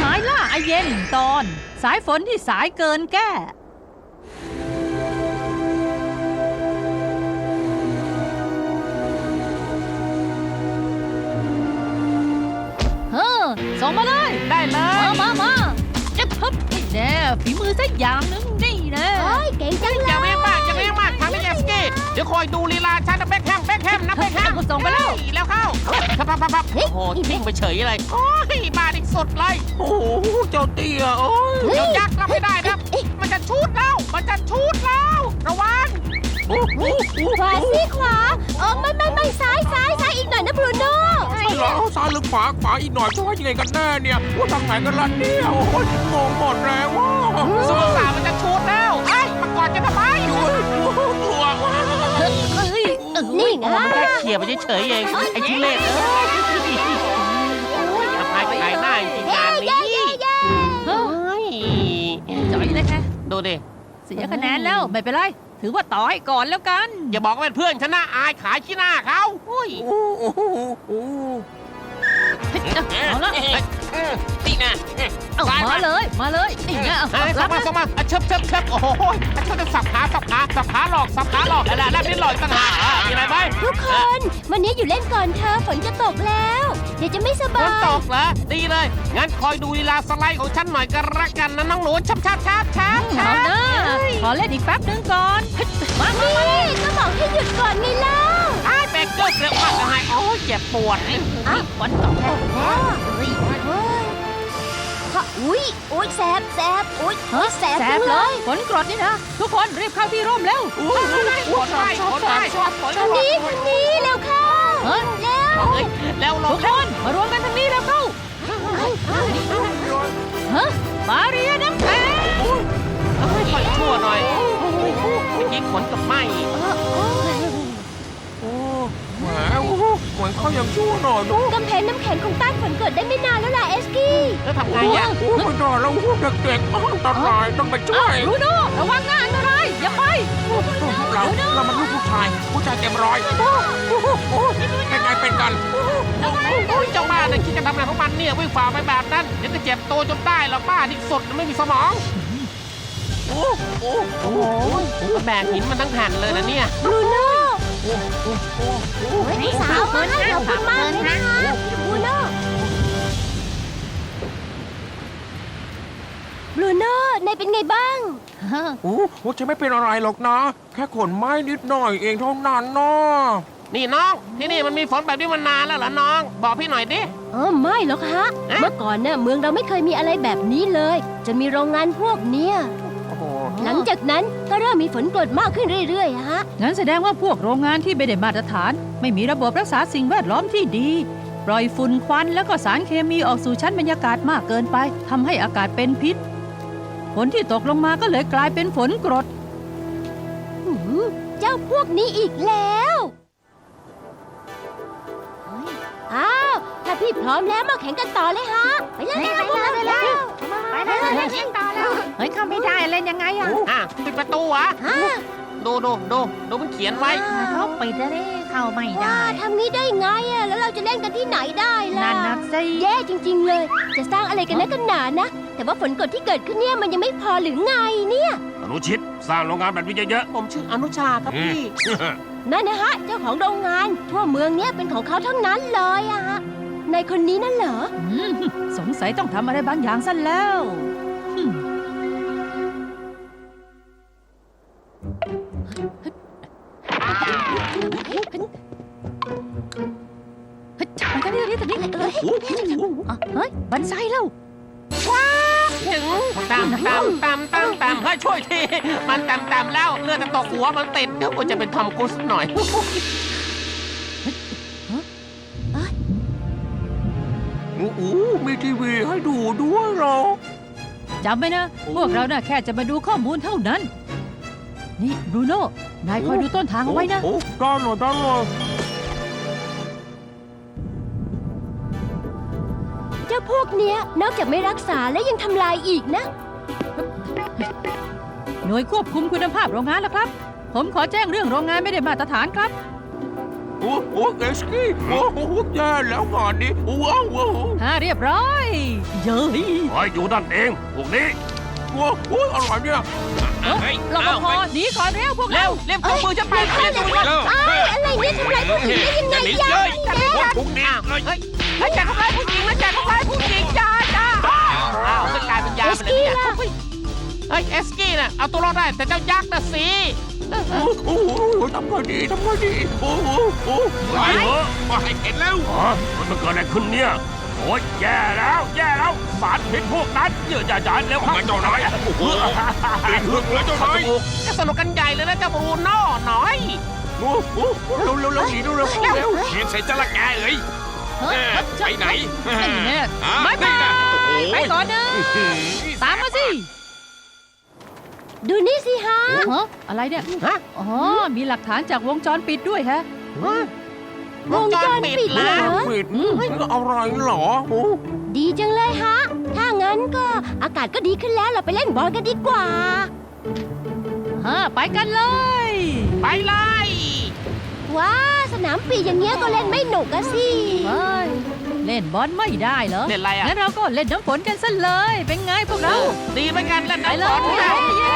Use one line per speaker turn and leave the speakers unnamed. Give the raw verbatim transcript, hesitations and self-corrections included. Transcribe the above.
มายล่าไอเย็นตอนสายฝนที่สายเกินแก้เฮ้อส่งมาเลยได้เลยมามามาเจ็บฮึบนี่แน่ฝีมือสักอย่างนึงนี่นะ
โอ้ยเก่งจังเลย
อย่าเรียกมากอย่าเรียกมากทางนี้เอฟกี้เดี๋ยวคอยดูลีลาฉันนะเบคแฮมเบคแฮมนะเบคแฮม
ส่งไปแล้ว
แล้วเข้าพับพับพับพับโอ้โหทิ้งไปเฉยเลยโอ้ยบาดิสุดเลยโอ้โหเจ้าเตี้ยโอ้ยเจ้ายักษ์รับไม่ได้นะมันจะชูดแล้วมันจะชูดแล้วระวัง
ขวาสิขวาเออไม่ไม่ไม่ซ้ายซ้ายซ้ายอีกหน่อยนะบรูโน่
ใช่เหรอซ้ายหรือขวาขวาอีกหน่อยจะว่ายังไงกันแน่เนี่ยว่าทางไหนกันล่ะเนี่ยโอ้ยงงหมดแล้วว่า
สงสารมันจะชูดแล้วไอ้มากอดกันทำไม
กลัว
เอ้ย
นี่ไง
มันแค่เขี่ยไปเฉยๆเองไอ้ทุเรศเอ้ยทำไมขายหน้าจริงงานนี้เฮ้ย
จ่อยเลยแค่
ดูดิ
เสียคะแนนแล้วไม่เป็นไรถือว่าต่อให้ก่อนแล้วกัน
อย่าบอกว่าเป็นเพื่อนฉันนะอายขายขี้หน้าเขาอุ้ย
โอ้โหโอ้
เอาละ
นี่นะ
เอามาเลยมาเลยนี่นะ
ส่งมาส่งมาเชิบเชิบเชิบโอ้โหเขาจะสับขาสับขาสับขาหลอกสับขาหลอกอะไรแล้วนี่หลอกต่างหากมีอะไรไหม
ทุกคนวันนี้อยู่เล่นก่อนเธอฝนจะตกแล้ว เดี๋ยวจะไม่ส
ฝ
บาน
ต
ย
กเหรอดีเลยงั้นคอยดูลีลาสไลด์ของฉันหน่อยก็แล้วกันนะน้องหนูชับชับชับชับ
เอาหน้าขอเล่นอีกแป๊บนึงก่อนมามามา
นี่ก็บอกให้หยุดก่อนไงเล่า
ไอ้แบกเกอร์เร็วมากเลยโอ้ยเจ็บปวด
ฝนตกแล้ว
เฮ้ยเฮ้ยอุ้ยอุ้ยแสบแสบอุ้ยแสบ
แส
จั
บ
ง
เล
เลย ย
ฝนกรดนี่นะทุกคนรีบเข้าที่ร่มเร็ว
ปวดไปปวดไปปวด
ทางนี้ทางนี้เร็วเข้า
เฮ้ย
เร็ว
แล้วล
ทุ
ง
กคนมารวมกันทางนี้แล้วเข้าฮะมาเรียน้ำแข็ง
ค่อยชั่วหน่อยเมื่อกี้ขนกับไหม
โอ้แหมเหมือนเขายังชั่วหน่อยดู
กำแพงน้ำแข็งคงต้านฝนเกิดได้ไม่นานแล้วล่ะเอสกี้
แล้วทำไงอ่ะ
โอ้ไม่ได้แล้วเด็กๆอันตรายต้องไปช่วย
รูโน่ระวังนะอันตรายอย่าไป
เราเรามันลูกผู้ชายผู้ชายเต็มร้อยเป็นไงเป็นกัน
โอ้ยเจ้าบ้าเนี่ยคิดจะทำอะไรของมันเนี่ยวิ่งฝ่าไปแบบนั้นเดี๋ยวจะเจ็บตัวจนได้หรอกบ้าที่สุดไม่มีสมองโอ้โอ้โอ้แบกหินมันทั้งแผ่นเลยนะเนี่ย
บรูโน่
โอ้โอ้โอ้โอ้
เฮ้ยสาวมาขอบคุณมากเลยนะคะบรูโน่บรูโน่นายเป็นไงบ้าง
โอ้โหจะไม่เป็นอะไรหรอกนะ แค่ขนไม้นิดหน่อยเองเท่านั้นเนาะ
นี่น้องที่นี่มันมีฝนแบบนี้มานานแล้วเหรอน้องบอกพี่หน่อยดิ
เออไม่หรอกฮะ เมื่อก่อนเนี่ยเมืองเราไม่เคยมีอะไรแบบนี้เลยจนมีโรงงานพวกเนี้ย
โอ้โห
หลังจากนั้นก็เริ่มมีฝนกรดมากขึ้นเรื่อยๆอะฮะ
งั้นแสดงว่าพวกโรงงานที่ไม่ได้มาตรฐาน ไม่มีระบบรักษาสิ่งแวดล้อมที่ดี ปล่อยฝุ่นควันแล้วก็สารเคมีออกสู่ชั้นบรรยากาศมากเกินไปทำให้อากาศเป็นพิษฝนที่ตกลงมาก็เลยกลายเป็นฝนกรด
หืมเจ้าพวกนี้อีกแล้วอ้าวถ้าพี่พร้อมแล้วมาแข่งกันต่อเลยฮะไปเลยไปเลยไปเลยไปเลยแข่งต่อแล้ว
เฮ้ยเข้าไม่ได้เล่นยังไงอะ
อ่ะปิดประตูอ่ะ
ฮะ
ดูดูดูดูมันเขียนไว้
เขาปิดแล้วเข้าไม่
ว้า
ได้
ทำนี้ได้ไงอะแล้วเราจะเล่นกันที่ไหนได้ล่ะ
นั่นนะสิ
แย่จริง ๆ เลย จะสร้างอะไรกันนักกันหนานะ แต่ว่าฝนกรดที่เกิดขึ้นเนี่ยมันยังไม่พอหรือไงเนี่ย
อนุชิตสร้างโรงงานแบบนี้เยอะ
ผมชื่ออนุชาครับพี่
ๆ
นั่นนะฮะ เจ้าของโรงงาน ทั่วเมืองเนี้ยเป็นของเขาทั้งนั้นเลยอะฮะในคนนี้นั่นเหรอ
อืมสงสัยต้องทำอะไรบางอย่างซะแล้วอืมเฮ้ยจับมันกันนี่ตอนนี้ตอนนี้อ่ะเฮ้ยบันไซแล้ว
ถึงตามตามตามตามตามเฮ้ยช่วยทีมันตามตามแล้วเลือดจะตกหัวมันติดเดี๋ยวกูจะเป็นทอมครูซหน่อย
โอ้โหมีทีวีให้ดูด้วยเหรอ
จำไว้นะ พวกเราน่ะแค่จะมาดูข้อมูลเท่านั้น นี่บรูโน่ นายคอยดูต้นทางเอาไว้นะ
โอ้ได้เลยได้เลย
เจ้าพวกเนี้ยนอกจากไม่รักษาและยังทำลายอีกนะ
หน่วยควบคุมคุณภาพโรงงานแล้วครับ ผมขอแจ้งเรื่องโรงงานไม่ได้มาตรฐานครับ
โอ้โหเอสกี้โอ้โหแย่แล้วงานนี้ว้าวว้าว
ฮ่าเรียบร้อยเย้ย
คอยอยู่นั่นเองพวกนี้
ว้าวโอ้ยอะไรเนี่ย
เฮ้ยรปภหนีก่อนเร็วพวก
เร็
เรา
วเร็วพวกมือจะไปเร็วเร็วเร็ว
อ้าวอะไรเนี่ยทำไรผู้หญิงได้ยังไงยาย
พวกนี้
เฮ้ยเฮ้ยอย่าทำร้ายผู้หญิงนะอย่าทำร้ายผู้หญิงจ้าจ้าอ้าวจะกลายเป็นยาไปเลยเนี่ยเฮ้ยเอสกี้น่ะเอาตัวรอดได้แต่เจ้ายักษ์น่ะสิ
โอ้โหทำไงดีทำไงดีโอ้โหโอ้
ไปเถอะ
มาให้เห็นแล้ว
อ๋อมันเกิดอะไรขึ้นเนี่ยโอ้ยแย่แล้วแย่แล้วสารพิษพวกนั้นเยอะอย่าจานเร็วครับ
มาเจ้านายโอ้โหติดหึกเลยเจ้านาย
จะสนุกกันใหญ่เลยนะเจ้าบรูโน่หน่อย
โอ้โหเร็วเร็วเร็วหนีเร็วเร็วเร็ว
เขียนใส่จระแกเอ้ย
เฮ้ย
ไปไหน
นี่แน่
อ่า
บายบาย
นี่นะโอ้โห
ไปก่อนนะตามมาสิ
ดูนี่สิฮะ
ฮะอะไรเนี่ย
ฮะ
อ๋อมีหลักฐานจากวงจรปิดด้วยฮะ
วงจรปิดเหรอ
ปิดอะไรเหรอโอ้
ดีจังเลยฮะ ถ้างั้นก็อากาศก็ดีขึ้นแล้วเราไปเล่นบอลกันดีกว่า
ฮะไปกันเลย
ไปเลย
ว้าสนามปีอย่างเงี้ยก็เล่นไม่หนุกอะสิ
เฮ้ยเล่นบอลไม่ได้เหรอ
เล่นอะไรอ่ะ
งั้นเราก็เล่นน้ำฝนกันซะเลย เป็นไงพวกเรา
ดีเหมือนกันเล่น
ไป
น้ำ
เล
ฝน
ย
เนี่ย
เย้